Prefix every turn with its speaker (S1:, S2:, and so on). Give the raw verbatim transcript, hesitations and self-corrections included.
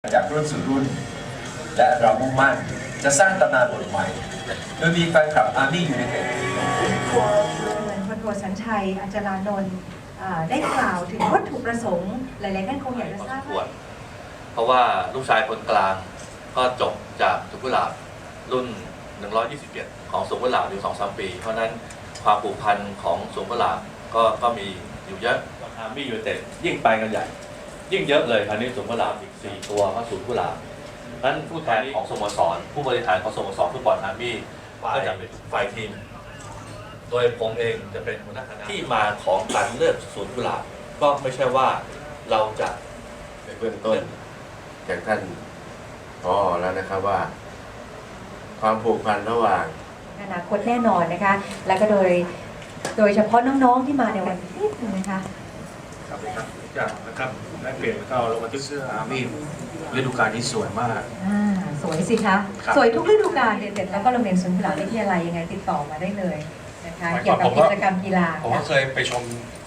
S1: จากรุ่นสู่รุ่นและเรามุ่งมั่นจะสร้างตำนานบทใหม่โดยมีแฟนคลับอาร์มี่ยูไนเต็ด
S2: เหมือนพลโทสัญชัยอาจารานนท์ได้กล่าวถึงวัตถุประสงค์หลายๆท่านคงอยากจะทราบว่า
S3: เพราะว่าลูกชายคนกลางก็จบจากสวนกุหลาบรุ่นหนึ่งร้อยยี่สิบเจ็ดของสวนกุหลาบอยู่ สองถึงสาม ปีเพราะนั้นความผูกพันของสวนกุหลาบก็ก็มีอยู่เยอะอาร์มี่ยูไนเต็ดยิ่งไปกันใหญ่ยิ่งเยอะเลยคราวนี้สวนกุหลาบอีกสี่ตัวก็สวนกุหลาบนั้นผู้แทนของสโมสรผู้บริหารของสโมสรฟุตบอลอาร์มี่ก็จะเป็นฝ่ายทีมโดยผมเองจะเป็นหัวหน้าคณะที่มาของการเลือกสวนกุหลาบก็ไม่ใช่ว่าเราจะ
S4: ในเบื้องต้นจากท่านผอ.แล้วนะครับว่าความผูกพันระหว่าง
S2: อนาคตแน่นอนนะคะแล้วก็โดยโดยเฉพาะน้องๆที่มาในวันนี้นะคะ
S5: ครับครับจากนะครับได้เปลี่ยนก็ลงมาที่เสื้ออาร์มี่ฤดูกาลนี้สวยมาก
S2: อ่าสวยสิคะสวยทุกฤดูกาลเด็ดๆแล้วก็โรงเรียนสวนกุหลาบวิทยาลัยยังไงติดต่อมาได้เลยนะคะเกี่ยวกับกิจกรรมกีฬา
S6: ผมก็เคยไปชม